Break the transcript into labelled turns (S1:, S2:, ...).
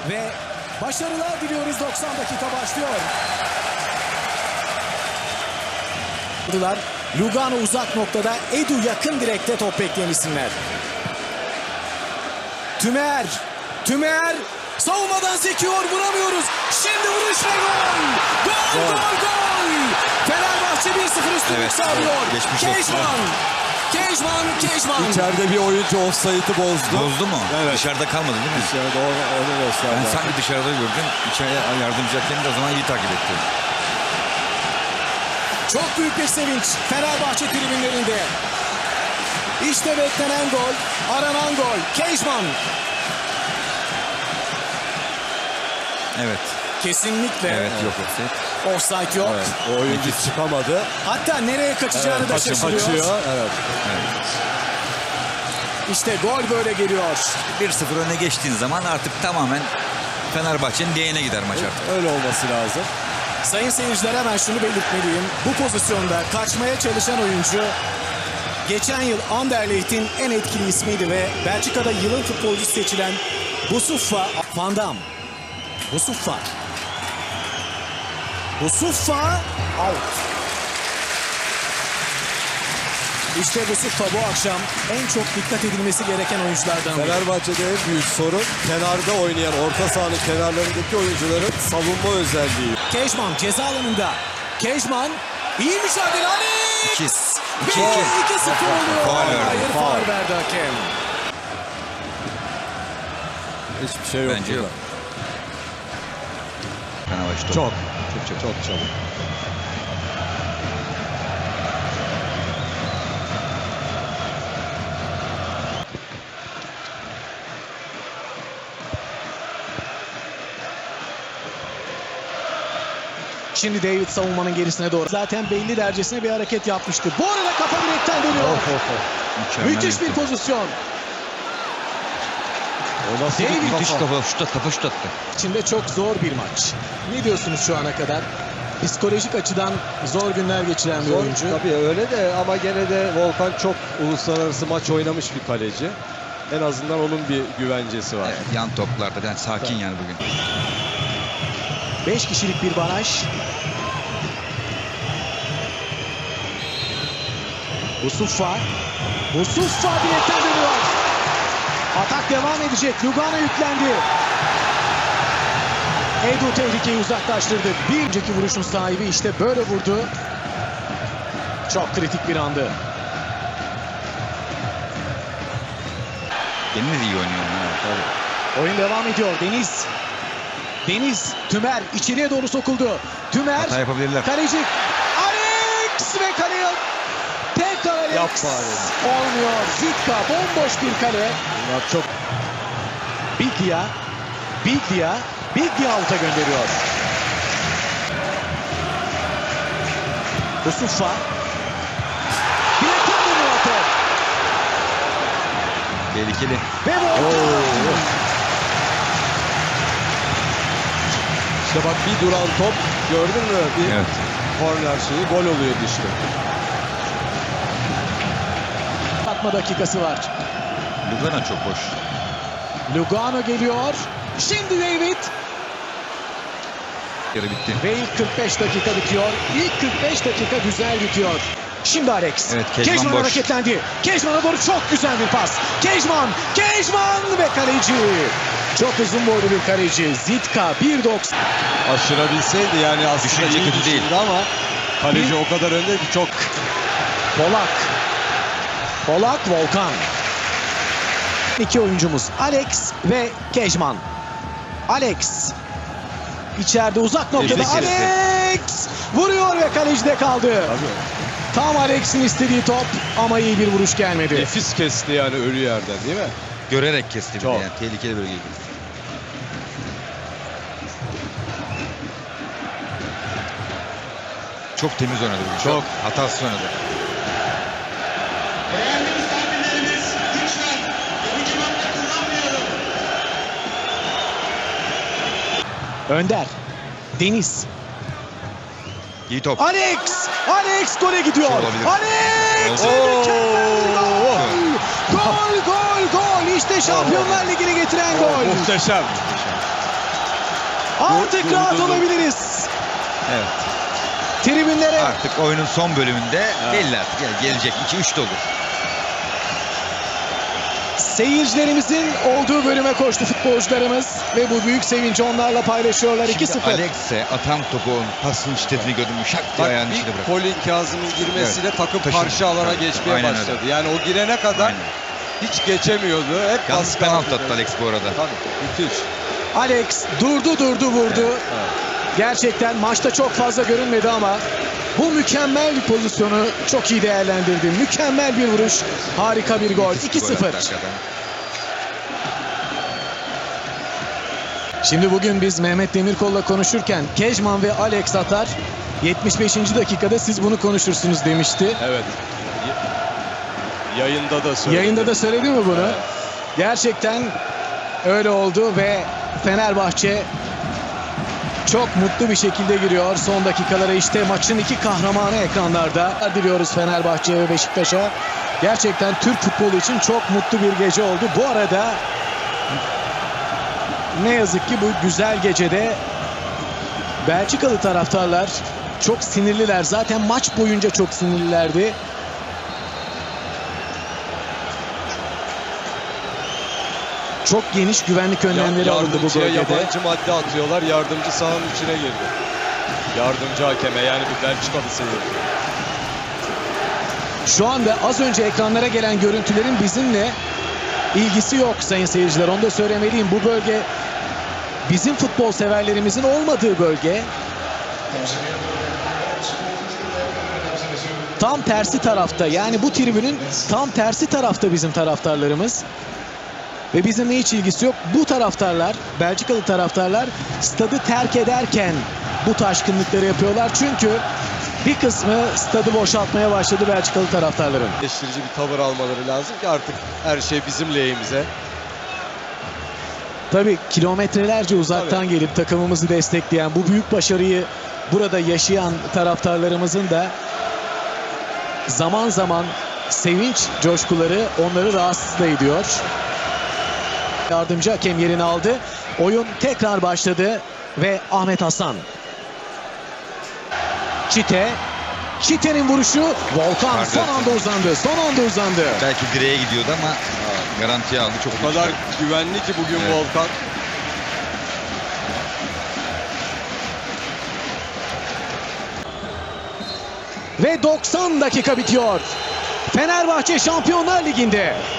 S1: Ve başarılar diliyoruz. 90 dakika başlıyor. Lugano uzak noktada, Edu yakın direkte top bekleyen isimler. Tümer savunmadan sekiyor, vuramıyoruz. Şimdi vuruş ve gol! Gol! Fenerbahçe 1-0 üstünlük sağlıyor. Kejman.
S2: İçeride bir oyuncu offside'ı bozdu.
S3: Bozdu mu?
S2: Evet.
S3: Dışarıda kalmadı değil mi?
S2: Dışarıda onu gösterdi.
S3: Ben sanki dışarıda gördüm. İçeriye yardımcı hakem de o zaman iyi takip etti.
S1: Çok büyük bir sevinç Fenerbahçe tribünlerinde. İşte beklenen gol, aranan gol. Kejman.
S3: Evet.
S1: Kesinlikle.
S3: Evet, yok offside.
S1: Offside yok.
S2: Evet, o oyuncu çıkamadı.
S1: Hatta nereye kaçacağını da şaşırıyor.
S2: Kaçıyor. Evet.
S1: İşte gol böyle geliyor.
S3: 1-0 öne geçtiğin zaman artık tamamen Fenerbahçe'nin lehine gider maç artık.
S2: Öyle olması lazım.
S1: Sayın seyirciler, hemen şunu belirtmeliyim. Bu pozisyonda kaçmaya çalışan oyuncu geçen yıl Anderlecht'in en etkili ismiydi ve Belçika'da yılın futbolcusu seçilen Boussouffa Van Dam. Boussouffa out. İşte Boussouffa bu akşam en çok dikkat edilmesi gereken oyunculardan biri.
S2: Fenerbahçe'de en büyük sorun kenarda oynayan, orta sahanın kenarlarındaki oyuncuların savunma özelliği.
S1: Kejman ceza alanında. Kejman iyi mücadele. Alex!
S3: 2-2
S1: oluyor.
S3: Faul verdi.
S1: Hayır, faul verdi hakem.
S2: Hiçbir şey yok.
S3: Bence yok. Fenerbahçe
S2: Çok çabuk.
S1: Şimdi David savunmanın gerisine doğru. Zaten belli dercesine bir hareket yapmıştı. Bu arada kafa direkten dönüyor. Müthiş bir pozisyon.
S2: O nasıl
S1: David
S2: bir
S3: Müthiş kafa şut attı.
S1: İçinde çok zor bir maç. Ne diyorsunuz şu ana kadar? Psikolojik açıdan zor günler geçiren bir
S2: Zor,
S1: oyuncu.
S2: tabii öyle de ama gene de Volkan çok uluslararası maç oynamış bir kaleci. En azından onun bir güvencesi var.
S3: Evet, yan toplarda yani sakin yani bugün.
S1: 5 kişilik bir baraj. Boussouffa direkten dönüyor. Atak devam edecek. Lugano yüklendi. Edu tehlikeyi uzaklaştırdı. Bir önceki vuruşun sahibi işte böyle vurdu. Çok kritik bir andı.
S3: Deniz iyi oynuyor.
S1: Oyun devam ediyor. Deniz, Tümer içeriye doğru sokuldu. Tümer,
S3: Hata yapabilirler.
S1: kaleci Alex ve kaleye tekrar Alex.
S2: Yapma
S1: Olmuyor. Zitka bomboş bir kale.
S2: Bunlar çok
S1: Biglia out'a gönderiyor. Boussouffa. Direkten dönüyor top.
S3: Tehlikeli.
S1: Ve Volkan.
S2: İşte bak bir duran top gördün mü? Bir
S3: Evet.
S2: korner şeyi gol oluyordu işte.
S1: Atma dakikası var.
S3: Lugano çok boş.
S1: Lugano geliyor. Şimdi David.
S3: Yarı bitti.
S1: Ve ilk 45 dakika bitiyor. İlk 45 dakika güzel bitiyor. Şimdi Alex.
S3: Evet, Kejman boş.
S1: hareketlendi. Kejman'a doğru çok güzel bir pas. Kejman ve kaleci. Çok uzun boylu bir kaleci. Zitka 1.90.
S2: Aşırabilseydi yani aslında
S3: Düşünce
S2: iyi
S3: kötü değil.
S2: düşündü ama kaleci o kadar önde ki çok.
S1: Polak, Volkan. İki oyuncumuz Alex ve Kejman. Alex. İçeride uzak noktada
S3: Nefis kesti.
S1: Alex vuruyor ve kalecide kaldı.
S2: Tabii.
S1: Tam Alex'in istediği top ama iyi bir vuruş gelmedi.
S2: Nefis kesti yani ölü yerden değil mi?
S3: Görerek kesti bir de
S2: Çok.
S3: yani. Tehlikeli bölgeydi. Çok temiz oynadı bugün.
S2: Çok.
S3: Hatasız oynadı.
S4: Değerli misafirlerimiz, lütfen yapıcı madde kullanmayalım.
S1: Önder. Deniz.
S3: İyi top.
S1: Alex gole gidiyor.
S3: Şu olabilir.
S1: Alex
S3: Oo.
S1: mükemmel bir gol. Gol. İşte Şampiyonlar Ligi'ni getiren gol.
S2: Muhteşem.
S1: Artık rahat olabiliriz.
S3: Evet.
S1: Tribünlere
S3: Artık oyunun son bölümünde belli artık. Yani gelecek 2-3 de olur.
S1: seyircilerimizin olduğu bölüme koştu futbolcularımız ve bu büyük sevinci onlarla paylaşıyorlar.
S3: Şimdi
S1: 2-0.
S3: Alex'e atan topu pasın şiddetini gördüm. Şak diye
S2: Bak,
S3: ayağının
S2: bir
S3: içine bırak.
S2: Colin Kazım'ın girmesiyle takım
S3: Taşıdı.
S2: karşı alana
S3: Tabii,
S2: geçmeye
S3: aynen
S2: başladı.
S3: öyle.
S2: Yani o girene kadar
S3: Aynen.
S2: hiç geçemiyordu. Hep
S3: Yalnız
S2: baskı
S3: penaltı
S2: altında.
S3: attı Alex bu arada.
S2: Tabii, müthiş.
S1: Alex durdu vurdu. Gerçekten maçta çok fazla görünmedi ama bu mükemmel bir pozisyonu çok iyi değerlendirdi. Mükemmel bir vuruş. Harika bir gol.
S3: Müthiş bir gol
S1: 2-0.
S3: attı hakikaten.
S1: Şimdi bugün biz Mehmet Demirkol'la konuşurken Kejman ve Alex atar. 75. dakikada siz bunu konuşursunuz demişti.
S2: Evet. Yayında da söyledi.
S1: Yayında da söyledi mi bunu?
S2: Evet.
S1: Gerçekten öyle oldu ve Fenerbahçe çok mutlu bir şekilde giriyor son dakikalara. İşte maçın iki kahramanı ekranlarda. Diliyoruz Fenerbahçe'ye ve Beşiktaş'a. Gerçekten Türk futbolu için çok mutlu bir gece oldu. Bu arada ne yazık ki bu güzel gecede Belçikalı taraftarlar çok sinirliler. Zaten maç boyunca çok sinirlilerdi. Çok geniş güvenlik önlemleri alındı bu
S2: Yardımcıya
S1: bölgede.
S2: yabancı madde atıyorlar. Yardımcı sahanın içine girdi. Yardımcı hakeme, yani bir Belçikalı seyirci.
S1: Şu anda az önce ekranlara gelen görüntülerin bizimle ilgisi yok sayın seyirciler. Onu da söylemeliyim. Bu bölge bizim futbol severlerimizin olmadığı bölge. Tam tersi tarafta, yani bu tribünün tam tersi tarafta bizim taraftarlarımız. Ve bizimle hiç ilgisi yok. Bu taraftarlar, Belçikalı taraftarlar stadı terk ederken bu taşkınlıkları yapıyorlar. Çünkü bir kısmı stadı boşaltmaya başladı Belçikalı taraftarların.
S2: Eleştirici bir tavır almaları lazım ki artık her şey bizim lehimize.
S1: Tabii kilometrelerce uzaktan gelip takımımızı destekleyen, bu büyük başarıyı burada yaşayan taraftarlarımızın da zaman zaman sevinç coşkuları onları rahatsız da ediyor. Yardımcı hakem yerini aldı. Oyun tekrar başladı ve Ahmet Hasan. Çite'nin vuruşu, Volkan
S3: Pardon.
S1: son anda uzandı.
S3: Belki direğe gidiyordu ama garantiye aldı. Çok
S2: O kadar
S3: iyi.
S2: güvenli ki bugün
S3: Evet.
S2: Volkan.
S1: Ve 90 dakika bitiyor. Fenerbahçe Şampiyonlar Ligi'nde.